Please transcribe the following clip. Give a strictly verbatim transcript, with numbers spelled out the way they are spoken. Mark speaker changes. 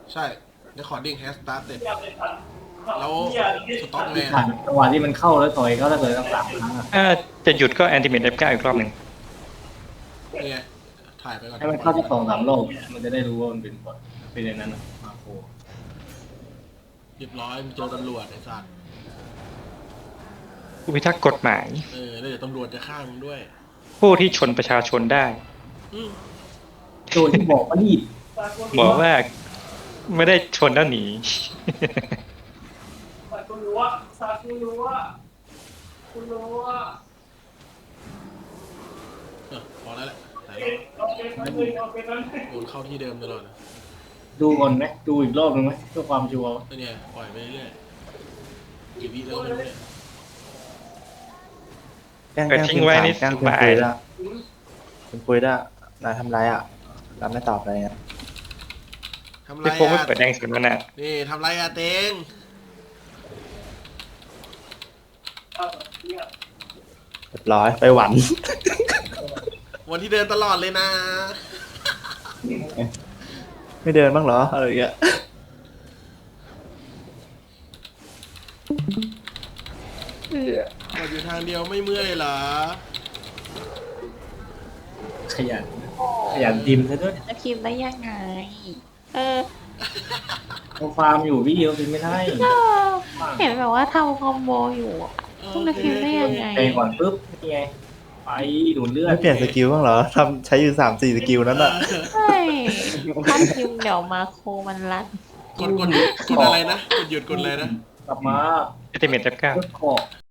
Speaker 1: ใช่ recording has started แล้วสต็อกแมน
Speaker 2: ผ่านจังหวะที่มันเข้าแล้วต่อยก็ถ้าเกิดตั้งสามครั้งอะ
Speaker 3: ถ้าจะหยุดก็แอนติเมต เอฟ เก้า อีกรอบหนึ่ง
Speaker 1: นี่ไงถ่ายไปก่อน
Speaker 2: ให้มันเข้าที่สองสามรอบมันจะได้รู้ว่ามันเป็นบทเป็นอย่างนั้นอะมาโค
Speaker 1: เรียบร้อยมันเจอตำรวจไอ้สัตว์
Speaker 3: ผู้พิทักษ์กฎหมาย
Speaker 1: เออแล้วเดี๋ยวตำรวจจะฆ่ามึงด้วย
Speaker 3: ผู้ที่ชนประชาชนได้
Speaker 1: อืม
Speaker 2: โจที่บอกว่ารีบ
Speaker 3: บอกว่าไม่ได้ชนแล้วหนี
Speaker 4: ซากุรู้ว่าซากุรู้ว่าคุณรู้ว่า
Speaker 1: เออพอแล้วแหละหลายร
Speaker 4: เอ็
Speaker 1: อบ
Speaker 4: นเอาเป็นนั้นเลยเอาเป็นนั้นเลย
Speaker 1: โดนเข้าที่เดิมตลอดนะ
Speaker 2: ดูก่อนไหมดูอีกรอบหนึงไหมเพื่อความชัวร์
Speaker 1: แล้วเนี่ยปล่อยไปเรื่อยๆกี่วิแล้วไม่รู้เนี่ย
Speaker 5: แกล้ง
Speaker 3: เออทิ้งไว้นี่
Speaker 5: แกล้ง
Speaker 3: ส
Speaker 5: คุณ
Speaker 3: บาย
Speaker 5: คุยได้คุณคุยได้นายทำไรอ่ะนายไม่ตอบอะไรอ่ะ
Speaker 1: ทำไร
Speaker 3: พี่โฟไม่
Speaker 1: อ่ะ
Speaker 3: เปิดแดงสุดมันอ่ะ
Speaker 1: นี่ทำไรอ่ะเตง
Speaker 4: เอาเนี่ย
Speaker 5: เรียบร้อยไปหวัน
Speaker 1: วันที่เดินตลอดเลยนะ
Speaker 5: ไม่เดินบ้างเหรออะไรอย่างเงี้ย
Speaker 1: เราอยู่ทางเดียวไม่เมื่อยเหรอ
Speaker 2: ขยันขยันดิมซะด้วย
Speaker 6: จะพิมพ์ได้ยังไง เออ
Speaker 2: เขาฟาร์มอยู่พี่เดียวพิมพ์ไม่ได้
Speaker 6: เออเห็นแบบว่าทำคอมโบอยู่อะต้องจะพิมพ์ได้ยังไง
Speaker 2: แทงก่อนปุ๊บนี่ไงไปดูดเลือด
Speaker 5: ไม่เปลี่ยนสกิลบ้างเหรอทำใช้อยู่สามสี่สกิลนั้นอ่ะ
Speaker 6: ใช่ถ้าพิมพ์เดี๋ยวมาโคมันรัด
Speaker 1: กดกดหยุดกดอะไรนะ กดหยุดกดอะไรนะ
Speaker 2: กลับมา
Speaker 3: แอนติเมต เอฟ เก้า
Speaker 2: เลือดเกาะ